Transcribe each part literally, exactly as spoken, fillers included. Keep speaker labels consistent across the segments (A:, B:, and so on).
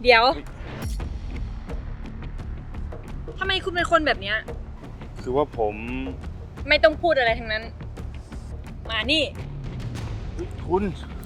A: เดี๋ยวทำไมคุณเป็นคนแบบเนี้ย
B: คือว่าผม
A: ไม่ต้องพูดอะไรทั้งนั้น มานี่
B: คุณ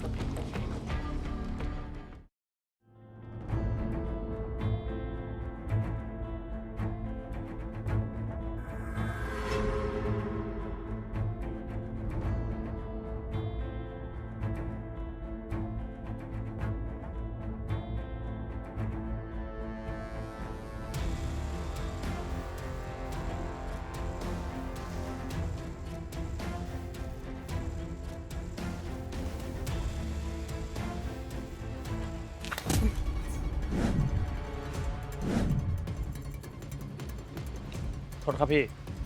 B: โทษครับพี่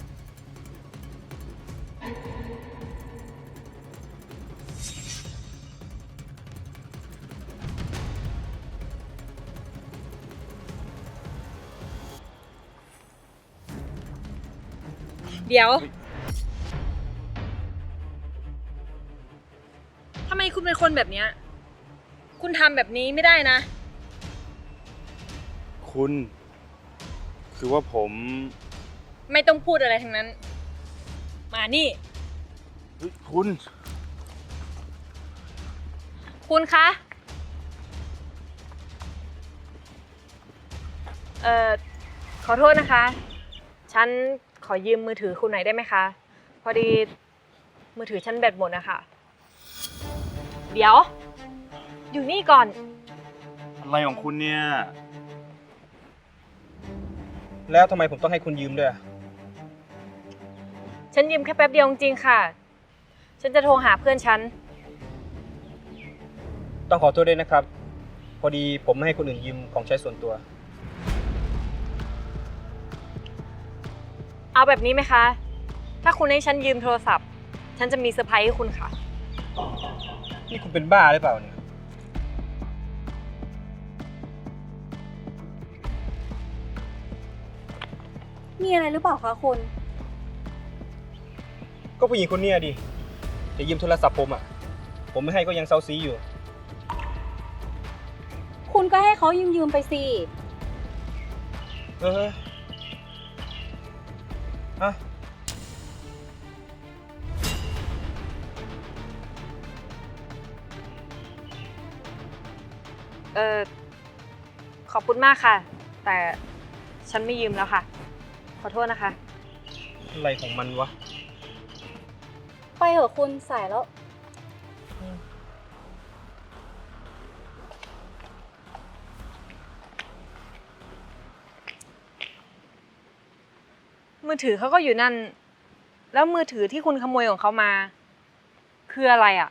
A: เดี๋ยวทำไมคุณเป็นคนแบบเนี้ยคุณทำแบบนี้ไม่ได้นะ
B: คุณ คือว่าผม
A: ไม่ต้องพูดอะไรทั้งนั้น มานี่
B: คุณ
A: คุณคะ เอ่อ ขอโทษนะคะ ฉันขอยืมมือถือคุณหน่อยได้ไหมคะ พอดีมือถือฉันแบตหมดนะคะเดี๋ยว อยู่นี่ก่อน
B: อะไรของคุณเนี่ย
C: แล้วทำไมผมต้องให้คุณยืมด้วยอะ
A: ฉันยืมแค่แป๊บเดียวจริงๆค่ะ ฉันจะโทรหาเพื่อนฉัน
C: ต้องขอโทษด้วยนะครับ พอดีผมไม่ให้คนอื่นยืมของใช้ส่วนตัว
A: เอาแบบนี้ไหมคะ ถ้าคุณให้ฉันยืมโทรศัพท์ ฉันจะมีเซอร์ไพรส์ให้คุณค่ะ
C: นี่คุณเป็นบ้าหรือเปล่าเนี่ย
D: มีอะไรหรือเปล่าคะคุณ
C: ก็ผู้หญิงคนเนี้ยดิจะยืมโทรศัพท์ผมอ่ะ ผมไม่ให้ก็ยังเซาซีอยู่
D: คุณก็ให้เขายืมยืมๆไปสิ
C: เออฮะ
A: เออขอบคุณมากค่ะ แต่ฉันไม่ยืมแล้วค่ะ ขอโทษนะคะ
C: อะไรของมันวะ
D: ไปเถอะคุณสายแล้ว
A: มือถือเขาก็อยู่นั่น แล้วมือถือที่คุณขโมยของเขามา คืออะไรอ่ะ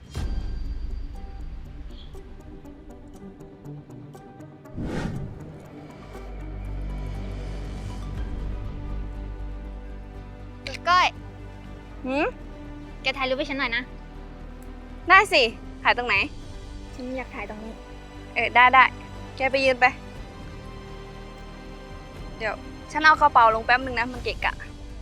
E: ก้อย
D: หืม
E: แกถ่ายรูปให้ฉันหน่อยนะ
D: ได้สิ ถ่ายตรงไหน
E: ฉันอยากถ่ายตรงนี้
D: เออ ได้ได้ แกไปยืนไป เดี๋ยว ฉันเอากระเป๋าลงแป๊บนึงนะ มันเกะกะ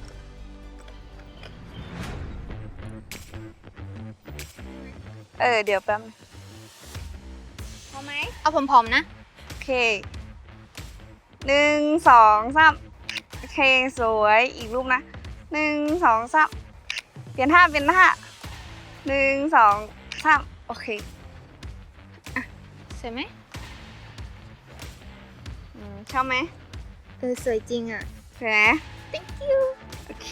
D: เออ เดี๋ยวแป๊บนึง
E: พอไหม เอาผอมๆนะ
D: โอเค หนึ่งสองสามโอเค สวย อีกรูปนะ หนึ่งสองสามเปลี่ยนท่า เปลี่ยนท่า หนึ่งสองสามโอเค
E: สวยไหม
D: อืมชอบไหม
E: เออ สวยจริงอ่ะ
D: สวยไหม
E: thank you
D: โอเค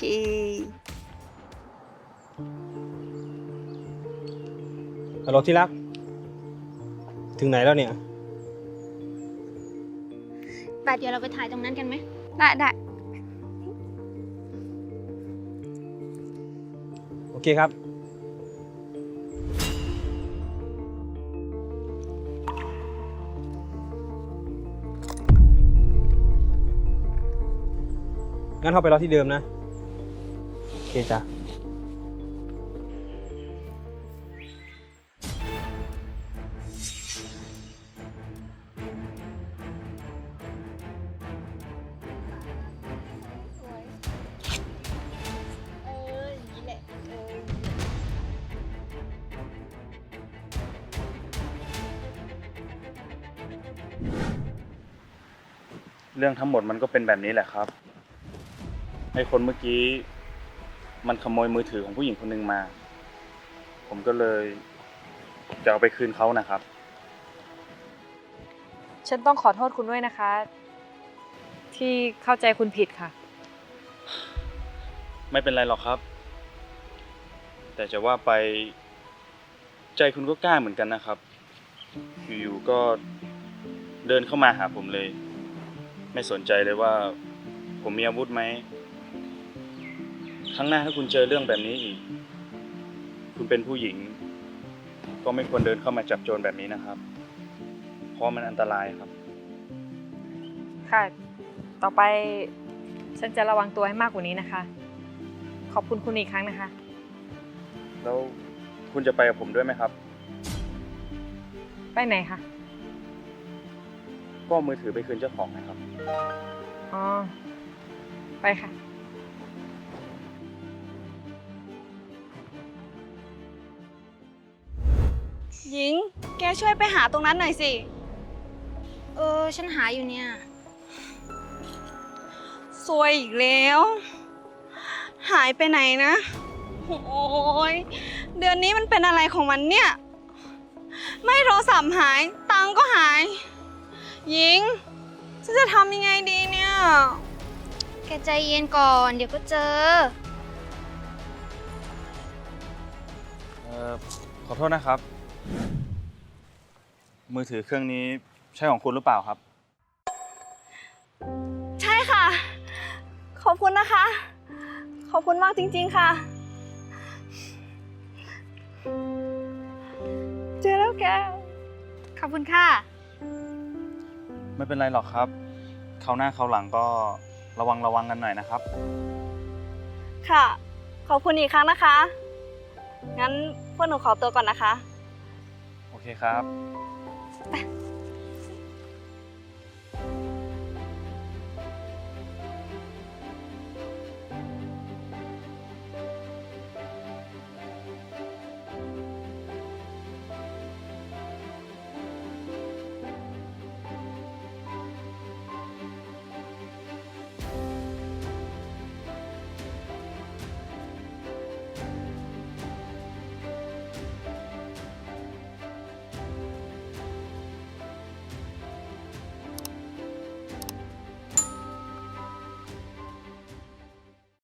C: ฮัลโหลที่รัก ถึงไหนแล้วเนี่ย
E: ป่ะเดี๋ยวเราไปถ่ายตรงนั้นกันไหม
D: ได้ได้
C: โอเคครับ งั้นเข้าไปรอที่เดิมนะ โอเคจ้ะ
E: เอออย่างนี้แหละเออ
B: เรื่องทั้งหมดมันก็เป็นแบบนี้แหละครับไอ้คนเมื่อกี้มันขโมยมือถือของผู้หญิงคนหนึ่งมา ผมก็เลยจะเอาไปคืนเขานะครับ
A: ฉันต้องขอโทษคุณด้วยนะคะ ที่เข้าใจคุณผิดค่ะ
B: ไม่เป็นไรหรอกครับ แต่จะว่าไปใจคุณก็กล้าเหมือนกันนะครับ อยู่ๆก็เดินเข้ามาหาผมเลย ไม่สนใจเลยว่าผมมีอาวุธไหมครั้งหน้าถ้าคุณเจอเรื่องแบบนี้อีก คุณเป็นผู้หญิง ก็ไม่ควรเดินเข้ามาจับโจรแบบนี้นะครับ เพราะมันอันตรายครับ
A: ค่ะ ต่อไปฉันจะระวังตัวให้มากกว่านี้นะคะ ขอบคุณคุณอีกครั้งนะคะ
B: แล้วคุณจะไปกับผมด้วยไหมครับ
A: ไปไหนคะ
B: ก็มือถือไปคืนเจ้าของนะครับ
A: อ๋อ ไปค่ะ
D: หญิง แกช่วยไปหาตรงนั้นหน่อยสิ
E: เออ ฉันหาอยู่เนี่ย
D: ซวยอีกแล้ว หายไปไหนนะ โอ้ยเดือนนี้มันเป็นอะไรของมันเนี่ย ไม่โทรศัพท์หาย ตังค์ก็หาย หญิง ฉันจะทำยังไงดีเนี่ย
E: แกใจเย็นก่อน เดี๋ยวก็เจอ
B: เอ่อขอโทษนะครับ มือถือเครื่องนี้ใช่ของคุณหรือเปล่าครับ
D: ใช่ค่ะ ขอบคุณนะคะ ขอบคุณมากจริงๆค่ะ เจอแล้วแก
E: ขอบคุณค่ะ
B: ไม่เป็นไรหรอกครับคราวหน้าคราวหลังก็ระวังระวังกันหน่อยนะครับ
D: ค่ะ ขอบคุณอีกครั้งนะคะ งั้นพวกหนูขอตัวก่อนนะคะ
B: โอเคครับ
D: ไป